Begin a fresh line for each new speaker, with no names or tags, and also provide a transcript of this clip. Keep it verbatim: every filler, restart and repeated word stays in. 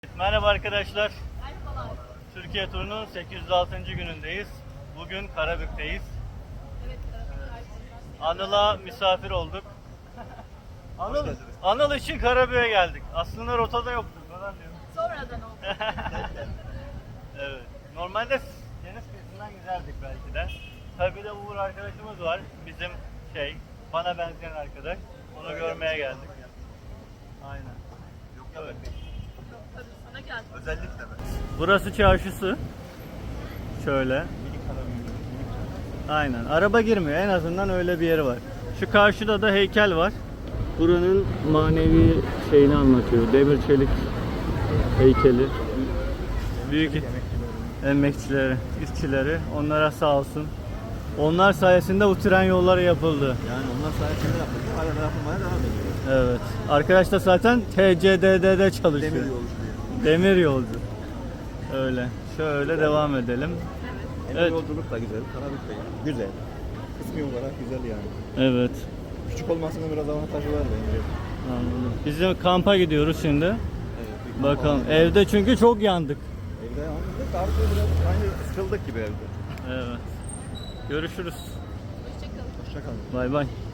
Merhaba arkadaşlar. Türkiye turunun sekiz yüz altıncı günündeyiz. Bugün Karabük'teyiz. Anıl'a misafir olduk. Anıl, Anıl için Karabük'e geldik. Aslında rotada yoktu falan diyor.
Sonradan oldu.
Evet. Normalde deniz kıyısından giderdik belki de. Tabii de Uğur arkadaşımız var. Bizim şey, bana benzeyen arkadaş. Onu görmeye geldik. Aynen.
Yok ya
Evet.
Tabii sana geldi.
özellikle mi?
Burası çarşısı. Şöyle. Aynen. Araba girmiyor. En azından öyle bir yeri var. Şu karşıda da heykel var. Buranın manevi şeyini anlatıyor. Demir çelik heykeli. Büyük emekçileri, işçileri. Onlara sağ olsun. Onlar sayesinde bu tren yolları yapıldı.
Yani onlar sayesinde yapıldı. Hala da yapılmaya devam ediyor.
Evet. Arkadaş da zaten T C D D'de çalışıyor.
Demir yolu diye.
Demir yolcu. Öyle. Şöyle devam edelim.
Demir
Evet.
yolculuk da güzel. Karabük de güzel. Kısmi olarak güzel yani.
Evet.
Küçük olmasının biraz avantajı var bence.
Anladım. Bizim kampa gidiyoruz şimdi.
Evet, bir
Bakalım.
kampanya.
Evde çünkü çok yandık.
Evde yandık. Artık biraz aynı sıkıldık gibi evde.
Evet. Görüşürüz.
Hoşçakalın.
Hoşçakalın.
Bay bay.